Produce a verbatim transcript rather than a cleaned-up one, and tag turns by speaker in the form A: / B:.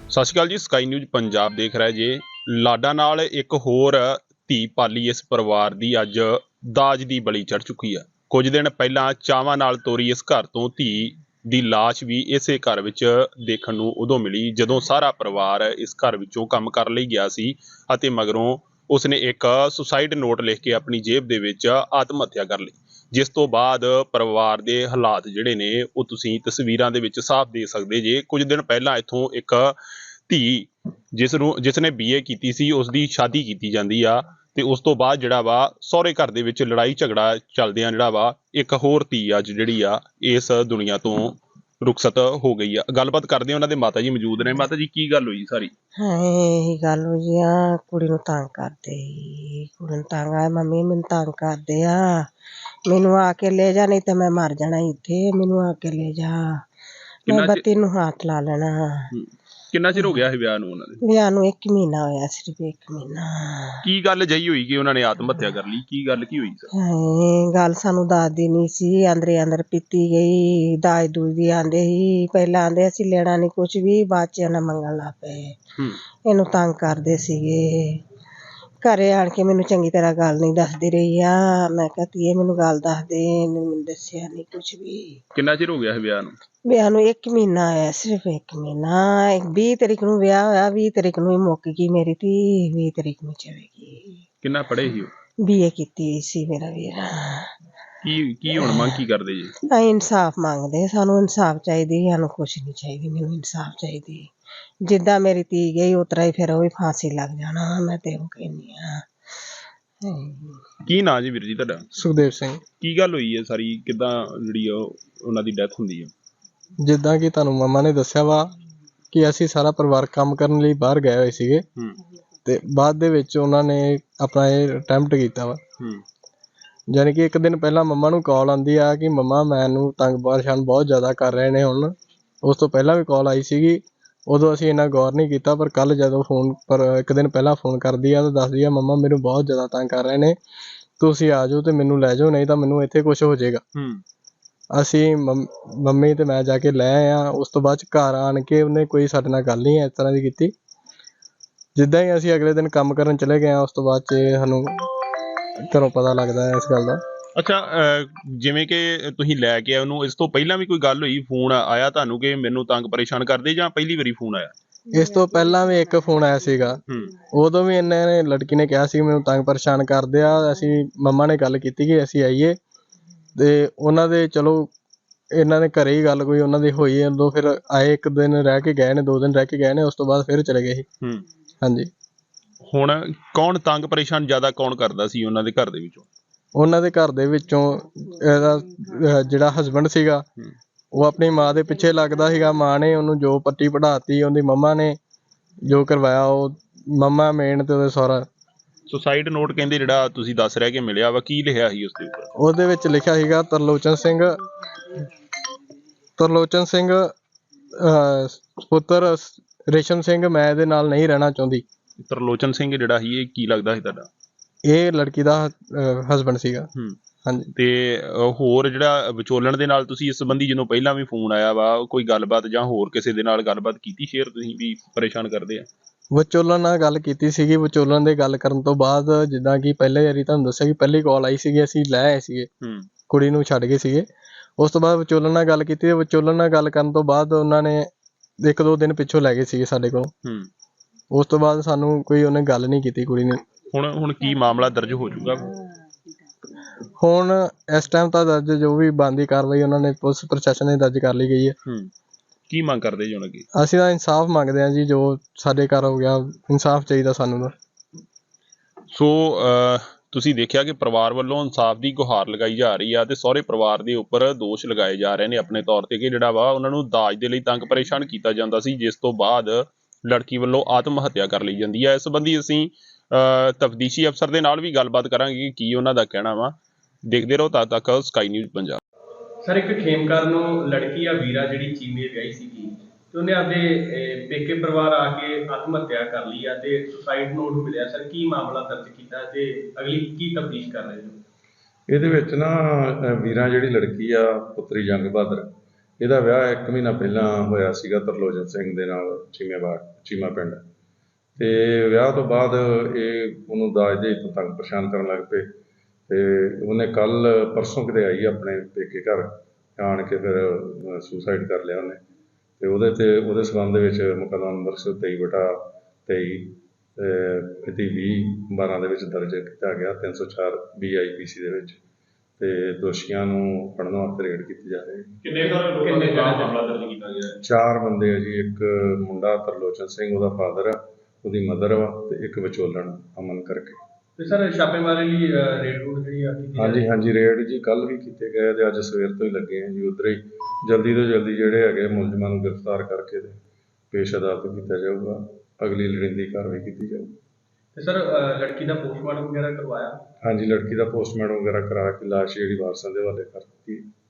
A: ਸਤਿ ਸ਼੍ਰੀ ਅਕਾਲ ਜੀ। Sky news Punjab ਦੇਖ ਰਿਹਾ ਜੇ। ਲਾਡਾ ਨਾਲ ਇੱਕ ਹੋਰ ਧੀ ਪਾਲੀ ਇਸ ਪਰਿਵਾਰ ਦੀ ਅੱਜ ਦਾਜ ਦੀ ਬਲੀ ਚੜ੍ਹ ਚੁੱਕੀ ਆ। ਕੁਝ ਦਿਨ ਪਹਿਲਾਂ ਚਾਵਾਂ ਨਾਲ ਤੋਰੀ ਇਸ ਘਰ ਤੋਂ ਧੀ ਦੀ ਲਾਸ਼ ਵੀ ਇਸੇ ਘਰ ਵਿੱਚ ਦੇਖਣ ਨੂੰ ਉਦੋਂ ਮਿਲੀ ਜਦੋਂ ਸਾਰਾ ਪਰਿਵਾਰ ਇਸ ਘਰ ਵਿੱਚੋਂ ਕੰਮ ਕਰਨ ਲਈ ਗਿਆ ਸੀ ਅਤੇ ਮਗਰੋਂ ਉਸਨੇ ਇੱਕ ਸੁਸਾਈਡ ਨੋਟ ਲਿਖ ਕੇ ਆਪਣੀ ਜੇਬ ਦੇ ਵਿੱਚ ਆਤਮ ਹੱਤਿਆ ਕਰ ਲਈ, ਜਿਸ ਤੋਂ ਬਾਅਦ ਪਰਿਵਾਰ ਦੇ ਹਾਲਾਤ ਜਿਹੜੇ ਨੇ ਉਹ ਤੁਸੀਂ ਤਸਵੀਰਾਂ ਦੇ ਵਿੱਚ ਸਾਫ਼ ਦੇਖ ਸਕਦੇ ਜੇ। ਕੁਝ ਦਿਨ ਪਹਿਲਾਂ ਇੱਥੋਂ ਇੱਕ ਧੀ ਜਿਸ ਨੂੰ ਜਿਸ ਨੇ ਬੀ ਏ ਕੀਤੀ ਸੀ ਉਸਦੀ ਸ਼ਾਦੀ ਕੀਤੀ ਜਾਂਦੀ ਆ ਤੇ ਉਸ ਤੋਂ ਬਾਅਦ ਜਿਹੜਾ ਵਾ ਸਹੁਰੇ ਘਰ ਦੇ ਵਿੱਚ ਲੜਾਈ ਝਗੜਾ ਚੱਲਦਿਆਂ ਜਿਹੜਾ ਵਾ ਇੱਕ ਹੋਰ ਧੀ ਅੱਜ ਜਿਹੜੀ ਆ ਇਸ ਦੁਨੀਆ ਤੋਂ ਰੁਖਸਤ ਹੋ ਗਈ ਆ। ਗੱਲਬਾਤ ਕਰਦੇ ਆ, ਉਹਨਾਂ ਦੇ ਮਾਤਾ ਜੀ ਮੌਜੂਦ ਨੇ। ਮਾਤਾ ਜੀ, ਕੀ ਗੱਲ ਹੋਈ ਸਾਰੀ?
B: ਹਾਂ ਇਹੀ ਗੱਲ ਹੋਈ ਆ, ਕੁੜੀ ਨੂੰ ਤੰਗ ਕਰਦੇ ਸੀ। ਕੁੜੀ ਨੂੰ ਤੰਗ ਆ, ਮੰਮੀ ਮੈਨੂੰ ਤੰਗ ਕਰਦੇ ਆ, ਮੈਨੂੰ ਆ ਕੇ ਲੈ ਜਾ, ਨਹੀਂ ਤੇ ਮੈਂ ਮਰ ਜਾਣਾ ਇੱਥੇ, ਮੈਨੂੰ ਆ ਕੇ ਲੈ ਜਾ, ਮੈਂ ਬੱਤੀ ਨੂੰ ਹੱਥ ਲਾ ਲੈਣਾ।
A: ਕਿੰਨਾ ਚਿਰ ਹੋ ਗਿਆ ਸੀ ਵਿਆਹ ਨੂੰ ਉਹਨਾਂ ਦੇ?
B: ਵਿਆਹ ਨੂੰ ਇੱਕ ਮਹੀਨਾ ਹੋਇਆ, ਸਿਰਫ ਇੱਕ ਮਹੀਨਾ।
A: ਕੀ ਗੱਲ ਜਹੀ ਹੋਈ ਕਿ ਉਹਨਾਂ ਨੇ ਆਤਮ ਹੱਤਿਆ ਕਰ ਲਈ? ਕੀ ਗੱਲ ਕੀ ਹੋਈ ਸਰ?
B: ਹਾਂ ਗੱਲ ਸਾਨੂੰ ਦੱਸਦੀ ਨਹੀਂ ਸੀ, ਅੰਦਰੇ ਅੰਦਰ ਪੀਤੀ ਗਈ। ਦਾਜ ਦੂਜ ਦੀ ਆਂਦੇ ਸੀ, ਪਹਿਲਾਂ ਆਂਦੇ ਅਸੀਂ ਲੈਣਾ ਨਹੀਂ ਕੁਛ ਵੀ, ਬਾਅਦ ਚ ਉਹਨਾਂ ਮੰਗਣ ਲੱਗ ਪਏ। ਇਹਨੂੰ ਤੰਗ ਕਰਦੇ ਸੀਗੇ। ਘਰੇ ਆਣ ਕੇ ਮੈਨੂੰ ਚੰਗੀ ਤਰ੍ਹਾਂ ਗੱਲ ਨਹੀਂ ਦੱਸਦੀ ਰਹੀ ਆ। ਮੈਂ ਕਿਹਾ ਧੀਏ ਮੈਨੂੰ ਗੱਲ ਦੱਸ ਦੇ, ਇਹਨੇ ਮੈਨੂੰ ਦੱਸਿਆ ਨਹੀਂ ਕੁਛ ਵੀ।
A: ਕਿੰਨਾ ਚਿਰ ਹੋ ਗਿਆ ਸੀ ਵਿਆਹ ਨੂੰ?
B: ਵਿਆਹ ਨੂੰ ਇੱਕ ਮਹੀਨਾ ਹੋਇਆ, ਸਿਰਫ ਇੱਕ ਮਹੀਨਾ। ਵੀਹ ਤਰੀਕ ਨੂੰ ਵਿਆਹ ਹੋਇਆ, ਵੀਹ ਤਰੀਕ ਨੂੰ ਹੀ ਮੁੱਕ ਗਈ ਮੇਰੀ ਧੀ, ਵੀਹ ਤਰੀਕ ਨੂੰ ਚਲੇ ਗਈ।
A: ਕਿੰਨਾ ਪੜ੍ਹੇ ਸੀ ਉਹ?
B: ਬੀ ਏ ਕੀਤੀ ਸੀ ਮੇਰਾ ਵੀਰ।
A: ਕੀ ਕੀ ਹੁਣ ਮੰਗ ਕੀ ਕਰਦੇ ਜੀ?
B: ਅਸੀਂ ਇਨਸਾਫ ਮੰਗਦੇ, ਸਾਨੂੰ ਇਨਸਾਫ ਚਾਹੀਦੀ, ਸਾਨੂੰ ਕੁਛ ਨਹੀਂ ਚਾਹੀਦੀ, ਮੈਨੂੰ ਇਨਸਾਫ ਚਾਹੀਦੀ। ਜਿੱਦਾਂ ਮੇਰੀ ਧੀ ਗਈ ਉਸ ਤਰ੍ਹਾਂ ਹੀ ਫਿਰ ਉਹ ਵੀ ਫਾਂਸੀ ਲੱਗ ਜਾਣਾ, ਮੈਂ ਤੇ ਉਹ ਕਹਿੰਦੀ ਆ।
A: ਕੀ ਨਾਂ ਜੀ ਵੀਰ ਜੀ ਤੁਹਾਡਾ?
C: ਸੁਖਦੇਵ ਸਿੰਘ।
A: ਕੀ ਗੱਲ ਹੋਈ ਹੈ ਸਾਰੀ? ਕਿੱਦਾਂ ਜਿਹੜੀ ਉਹ ਉਹਨਾਂ ਦੀ ਡੈਥ ਹੁੰਦੀ ਹੈ?
C: ਜਿੱਦਾਂ ਕਿ ਤੁਹਾਨੂੰ ਮੰਮਾ ਨੇ ਦੱਸਿਆ ਵਾ ਕਿ ਅਸੀਂ ਸਾਰਾ ਪਰਿਵਾਰ ਕੰਮ ਕਰਨ ਲਈ ਬਾਹਰ ਗਏ ਹੋਏ ਸੀਗੇ ਤੇ ਬਾਅਦ ਦੇ ਵਿੱਚ ਉਹਨਾਂ ਨੇ ਆਪਣਾ ਇਹ ਅਟੈਂਪਟ ਕੀਤਾ ਵਾ। ਯਾਨੀ ਕਿ ਇੱਕ ਦਿਨ ਪਹਿਲਾਂ ਮੰਮਾ ਨੂੰ ਕਾਲ ਆਉਂਦੀ ਆ ਕਿ ਮੰਮਾ ਮੈਨੂੰ ਤੰਗ ਪਰੇਸ਼ਾਨ ਬਹੁਤ ਜ਼ਿਆਦਾ ਕਰ ਰਹੇ ਨੇ। ਹੁਣ ਉਸ ਤੋਂ ਪਹਿਲਾਂ ਵੀ ਕਾਲ ਆਈ ਸੀਗੀ, ਉਦੋਂ ਅਸੀਂ ਇੰਨਾ ਗੌਰ ਨਹੀਂ ਕੀਤਾ, ਪਰ ਕੱਲ੍ਹ ਜਦੋਂ ਫੋਨ ਪਰ ਇੱਕ ਦਿਨ ਪਹਿਲਾਂ ਫੋਨ ਕਰਦੀ ਆ ਤਾਂ ਦੱਸਦੀ ਆ ਮੰਮਾ ਮੈਨੂੰ ਬਹੁਤ ਜ਼ਿਆਦਾ ਤੰਗ ਕਰ ਰਹੇ ਨੇ, ਤੁਸੀਂ ਆ ਜਾਓ ਤੇ ਮੈਨੂੰ ਲੈ ਜਾਓ, ਨਹੀਂ ਤਾਂ ਮੈਨੂੰ ਇੱਥੇ ਕੁਛ ਹੋ ਜਾਏਗਾ। ਅਸੀਂ ਮੰਮ ਮੰਮੀ ਤੇ ਮੈਂ ਜਾ ਕੇ ਲੈ ਆਏ ਹਾਂ। ਉਸ ਤੋਂ ਬਾਅਦ 'ਚ ਘਰ ਆਣ ਕੇ ਉਹਨੇ ਕੋਈ ਸਾਡੇ ਨਾਲ ਗੱਲ ਨਹੀਂ ਇਸ ਤਰ੍ਹਾਂ ਦੀ ਕੀਤੀ। ਜਿੱਦਾਂ ਹੀ ਅਸੀਂ ਅਗਲੇ ਦਿਨ ਕੰਮ ਕਰਨ ਚਲੇ ਗਏ ਹਾਂ, ਉਸ ਤੋਂ ਬਾਅਦ 'ਚ ਸਾਨੂੰ ਘਰੋਂ ਪਤਾ ਲੱਗਦਾ ਹੈ ਇਸ ਗੱਲ ਦਾ।
A: ਅੱਛਾ, ਜਿਵੇਂ ਕਿ ਤੁਸੀਂ ਲੈ ਕੇ ਆਏ ਉਹਨੂੰ, ਇਸ ਤੋਂ ਪਹਿਲਾਂ ਵੀ ਕੋਈ ਗੱਲ ਹੋਈ? ਫੋਨ ਆਇਆ ਤੁਹਾਨੂੰ ਕਿ ਮੈਨੂੰ ਤੰਗ ਪਰੇਸ਼ਾਨ ਕਰਦੇ, ਜਾਂ ਪਹਿਲੀ ਵਾਰੀ ਫੋਨ ਆਇਆ?
C: ਇਸ ਤੋਂ ਪਹਿਲਾਂ ਵੀ ਇੱਕ ਫੋਨ ਆਇਆ ਸੀਗਾ, ਉਦੋਂ ਵੀ ਇਹਨਾਂ ਨੇ ਲੜਕੀ ਨੇ ਕਿਹਾ ਸੀ ਮੈਨੂੰ ਤੰਗ ਪਰੇਸ਼ਾਨ ਕਰਦੇ ਆ। ਅਸੀਂ ਮੰਮਾ ਨੇ ਗੱਲ ਕੀਤੀ ਕਿ ਅਸੀਂ ਆਈਏ ਤੇ ਉਹਨਾਂ ਦੇ ਚਲੋ ਇਹਨਾਂ ਦੇ ਘਰੇ ਹੀ ਗੱਲ ਕੋਈ ਉਹਨਾਂ ਦੀ ਹੋਈ, ਉਦੋਂ ਫਿਰ ਆਏ, ਇੱਕ ਦਿਨ ਰਹਿ ਕੇ ਗਏ ਨੇ, ਦੋ ਦਿਨ ਰਹਿ ਕੇ ਗਏ ਨੇ, ਉਸ ਤੋਂ ਬਾਅਦ ਫਿਰ ਚਲੇ ਗਏ ਸੀ। ਹਾਂਜੀ। ਹੁਣ
A: ਕੌਣ ਤੰਗ ਪਰੇਸ਼ਾਨ ਜ਼ਿਆਦਾ ਕੌਣ ਕਰਦਾ ਸੀ ਉਹਨਾਂ ਦੇ ਘਰ ਦੇ ਵਿੱਚੋਂ?
C: ਉਹਨਾਂ ਦੇ ਘਰ ਦੇ ਵਿੱਚੋਂ ਇਹਦਾ ਜਿਹੜਾ ਹਸਬੈਂਡ ਸੀਗਾ ਉਹ ਆਪਣੀ ਮਾਂ ਦੇ ਪਿੱਛੇ ਲੱਗਦਾ ਸੀਗਾ। ਮਾਂ ਨੇ ਉਹਨੂੰ ਜੋ ਪੱਟੀ ਪੜ੍ਹਾਤੀ, ਉਹਦੀ ਮੰਮਾ ਨੇ ਜੋ ਕਰਵਾਇਆ, ਉਹ ਮੰਮਾ ਮੇਨ ਤੇ ਉਹਦੇ ਸਹੁਰਾ।
A: ਸੁਸਾਈਡ ਨੋਟ ਕਹਿੰਦੇ ਜਿਹੜਾ ਤੁਸੀਂ ਦੱਸ ਰਿਹਾ ਕਿ ਮਿਲਿਆ ਵਾ, ਕੀ ਲਿਖਿਆ ਸੀ ਉਸ ਦੇ ਉੱਪਰ?
C: ਉਹਦੇ ਵਿੱਚ ਲਿਖਿਆ ਸੀਗਾ ਤਰਲੋਚਨ ਸਿੰਘ ਤਰਲੋਚਨ ਸਿੰਘ ਪੁੱਤਰ ਰੇਸ਼ਮ ਸਿੰਘ, ਮੈਂ ਇਹਦੇ ਨਾਲ ਨਹੀਂ ਰਹਿਣਾ ਚਾਹੁੰਦੀ।
A: ਤਰਲੋਚਨ ਸਿੰਘ ਜਿਹੜਾ ਸੀ ਇਹ ਕੀ ਲੱਗਦਾ ਸੀ ਤੁਹਾਡਾ?
C: ਇਹ ਲੜਕੀ ਦਾ ਹਸਬੈਂਡ ਸੀਗਾ। ਹਾਂਜੀ।
A: ਤੇ ਹੋਰ ਜਿਹੜਾ ਵਿਚੋਲਣ ਦੇ ਨਾਲ ਤੁਸੀਂ ਇਸ ਸੰਬੰਧੀ ਜਦੋਂ ਪਹਿਲਾਂ ਵੀ ਫੋਨ ਆਇਆ ਵਾ, ਕੋਈ ਗੱਲਬਾਤ ਜਾਂ ਹੋਰ ਕਿਸੇ ਦੇ ਨਾਲ ਗੱਲਬਾਤ ਕੀਤੀ ਸ਼ੇਅਰ ਤੁਸੀਂ ਵੀ ਪਰੇਸ਼ਾਨ ਕਰਦੇ ਆ?
C: ਵਿਚੋਲਣ ਨਾਲ ਗੱਲ ਕੀਤੀ ਸੀਗੀ। ਵਿਚੋਲਣ ਦੇ ਗੱਲ ਕਰਨ ਤੋਂ ਬਾਅਦ ਜਿੱਦਾਂ ਕਿ ਪਹਿਲੇ ਵਾਰੀ ਤੁਹਾਨੂੰ ਦੱਸਿਆ ਕਿ ਪਹਿਲੀ ਕਾਲ ਆਈ ਸੀਗੀ, ਅਸੀਂ ਲੈ ਆਏ ਸੀਗੇ, ਕੁੜੀ ਨੂੰ ਛੱਡ ਗਏ ਸੀਗੇ। ਉਸ ਤੋਂ ਬਾਅਦ ਵਿਚੋਲਣ ਨਾਲ ਗੱਲ ਕੀਤੀ, ਵਿਚੋਲਣ ਨਾਲ ਗੱਲ ਕਰਨ ਤੋਂ ਬਾਅਦ ਉਹਨਾਂ ਨੇ ਇੱਕ ਦੋ ਦਿਨ ਪਿੱਛੋਂ ਲੈ ਗਏ ਸੀਗੇ ਸਾਡੇ ਕੋਲ। ਉਸ ਤੋਂ ਬਾਅਦ ਸਾਨੂੰ ਕੋਈ ਉਹਨੇ ਗੱਲ ਨਹੀਂ ਕੀਤੀ ਕੁੜੀ ਨੇ।
A: ਹੁਣ ਹੁਣ ਕੀ ਮਾਮਲਾ ਦਰਜ ਹੋ ਚੁੱਕਾ?
C: ਹੁਣ ਇਸ ਟਾਈਮ ਤਾਂ ਦਰਜ ਜੋ ਵੀ ਬਣਦੀ ਕਾਰਵਾਈ ਉਹਨਾਂ ਨੇ ਪੁਲਿਸ ਪ੍ਰਸ਼ਾਸਨ ਨੇ ਦਰਜ ਕਰ ਲਈ ਗਈ ਹੈ।
A: ਕੀ ਮੰਗ ਕਰਦੇ ਜੀ ਹੁਣ ਅੱਗੇ?
C: ਅਸੀਂ ਤਾਂ ਇਨਸਾਫ ਮੰਗਦੇ ਹਾਂ ਜੀ, ਜੋ ਸਾਡੇ ਘਰ ਹੋ ਗਿਆ, ਇਨਸਾਫ ਚਾਹੀਦਾ ਸਾਨੂੰ ਤਾਂ।
A: ਸੋ ਤੁਸੀਂ ਦੇਖਿਆ ਕਿ ਪਰਿਵਾਰ ਵੱਲੋਂ ਇਨਸਾਫ ਦੀ ਗੁਹਾਰ ਲਗਾਈ ਜਾ ਰਹੀ ਆ ਤੇ ਸਹੁਰੇ ਪਰਿਵਾਰ ਦੇ ਉੱਪਰ ਦੋਸ਼ ਲਗਾਏ ਜਾ ਰਹੇ ਨੇ ਆਪਣੇ ਤੌਰ ਤੇ ਕਿ ਜਿਹੜਾ ਵਾ ਉਹਨਾਂ ਨੂੰ ਦਾਜ ਦੇ ਲਈ ਤੰਗ ਪਰੇਸ਼ਾਨ ਕੀਤਾ ਜਾਂਦਾ ਸੀ, ਜਿਸ ਤੋਂ ਬਾਅਦ ਲੜਕੀ ਵੱਲੋਂ ਆਤਮ ਹੱਤਿਆ ਕਰ ਲਈ ਜਾਂਦੀ ਹੈ। ਇਸ ਸੰਬੰਧੀ ਅਸੀਂ ਤਫਤੀਸ਼ੀ ਅਫਸਰ ਦੇ ਨਾਲ ਵੀ ਗੱਲਬਾਤ ਕਰਾਂਗੇ ਕਿ ਕੀ ਉਹਨਾਂ ਦਾ ਕਹਿਣਾ ਵਾ। ਦੇਖਦੇ ਰਹੋ ਤਦ ਤੱਕ ਸਕਾਈ ਨਿਊਜ਼ ਪੰਜਾਬ।
D: ਸਰ, ਇੱਕ ਖੇਮਕਰ ਨੂੰ ਲੜਕੀ ਆ ਵੀਰਾ ਜਿਹੜੀ ਚੀਮੇ ਵਿਆਹੀ ਸੀਗੀ ਤੇ ਉਹਨੇ ਆਪਦੇ ਪੇਕੇ ਪਰਿਵਾਰ ਆ ਕੇ ਆਤਮ ਹੱਤਿਆ ਕਰ ਲਈ ਆ ਤੇ ਸੁਸਾਈਡ ਨੋਟ ਮਿਲਿਆ। ਸਰ, ਕੀ ਮਾਮਲਾ ਦਰਜ ਕੀਤਾ ਤੇ ਅਗਲੀ ਕੀ ਤਫਤੀਸ਼ ਕਰ ਰਹੇ ਹੋ?
E: ਇਹਦੇ ਵਿੱਚ ਨਾ ਵੀਰਾ ਜਿਹੜੀ ਲੜਕੀ ਆ ਪੁੱਤਰੀ ਜੰਗ ਬਹਾਦਰ, ਇਹਦਾ ਵਿਆਹ ਇੱਕ ਮਹੀਨਾ ਪਹਿਲਾਂ ਹੋਇਆ ਸੀਗਾ ਤਰਲੋਚਨ ਸਿੰਘ ਦੇ ਨਾਲ ਚੀਮੇਵਾਲ। ਚੀਮਾ ਪਿੰਡ। ਤੇ ਵਿਆਹ ਤੋਂ ਬਾਅਦ ਇਹ ਉਹਨੂੰ ਦਾਜ ਦੇ ਤੋਂ ਤੰਗ ਪਰੇਸ਼ਾਨ ਕਰਨ ਲੱਗ ਪਏ ਤੇ ਉਹਨੇ ਕੱਲ ਪਰਸੋਂ ਕਿਤੇ ਆਈ ਆਪਣੇ ਪੇਕੇ ਘਰ ਆਣ ਕੇ ਫਿਰ ਸੁਸਾਈਡ ਕਰ ਲਿਆ ਉਹਨੇ। ਤੇ ਉਹਦੇ ਤੇ ਉਹਦੇ ਸੰਬੰਧ ਵਿੱਚ ਮੁਕੱਦਮਾ ਨੰਬਰ ਇੱਕ ਸੌ ਤੇਈ ਬਟਾ ਤੇਈ ਮਿਤੀ ਵੀਹ ਬਾਰਾਂ ਦੇ ਵਿੱਚ ਦਰਜ ਕੀਤਾ ਗਿਆ ਤਿੰਨ ਸੌ ਚਾਰ ਬੀ ਆਈ ਪੀ ਸੀ ਦੇ ਵਿੱਚ, ਤੇ ਦੋਸ਼ੀਆਂ ਨੂੰ ਫੜਨ ਵਾਸਤੇ ਰੇਡ ਕੀਤੀ ਜਾ ਰਹੀ ਹੈ।
A: ਕਿੰਨੇ ਲੋਕਾਂ ਦੇ ਖਿਲਾਫ ਮਾਮਲਾ ਦਰਜ ਕੀਤਾ ਗਿਆ ਹੈ?
E: ਚਾਰ ਬੰਦੇ ਆ ਜੀ, ਇੱਕ ਮੁੰਡਾ ਤਰਲੋਚਨ ਸਿੰਘ ਉਹਦਾ ਫਾਦਰ ਆ, ਉਹਦੀ ਮਦਰ ਵਾ, ਤੇ ਇੱਕ ਵਿਚੋਲਣ ਅਮਨ ਕਰਕੇ।
D: ਤੇ ਸਰ ਛਾਪੇਮਾਰੀ ਲਈ ਰੇਡ ਰੂਡ ਜਿਹੜੀ ਆ ਕੀਤੀ
E: ਹਾਂਜੀ ਹਾਂਜੀ ਰੇਡ ਜੀ ਕੱਲ ਵੀ ਕੀਤੇ ਗਏ ਤੇ ਅੱਜ ਸਵੇਰ ਤੋਂ ਹੀ ਲੱਗੇ ਆ ਜੀ। ਉੱਧਰ ਹੀ ਜਲਦੀ ਤੋਂ ਜਲਦੀ ਜਿਹੜੇ ਹੈਗੇ ਮੁਲਜ਼ਮਾਂ ਨੂੰ ਗ੍ਰਿਫਤਾਰ ਕਰਕੇ ਤੇ ਪੇਸ਼ ਅਦਾਲਤ ਕੀਤਾ ਜਾਊਗਾ, ਅਗਲੀ ਲੋੜੀਂਦੀ ਕਾਰਵਾਈ ਕੀਤੀ ਜਾਊਗੀ।
D: ਤੇ ਸਰ ਲੜਕੀ ਦਾ ਪੋਸਟਮਾਰਟਮ ਵਗੈਰਾ ਕਰਵਾਇਆ?
E: ਹਾਂਜੀ ਲੜਕੀ ਦਾ ਪੋਸਟਮਾਰਟਮ ਵਗੈਰਾ ਕਰਾ ਕੇ ਲਾਸ਼ ਜਿਹੜੀ ਵਾਰਸਾਂ ਦੇ ਹਵਾਲੇ ਕਰ ਦਿੱਤੀ।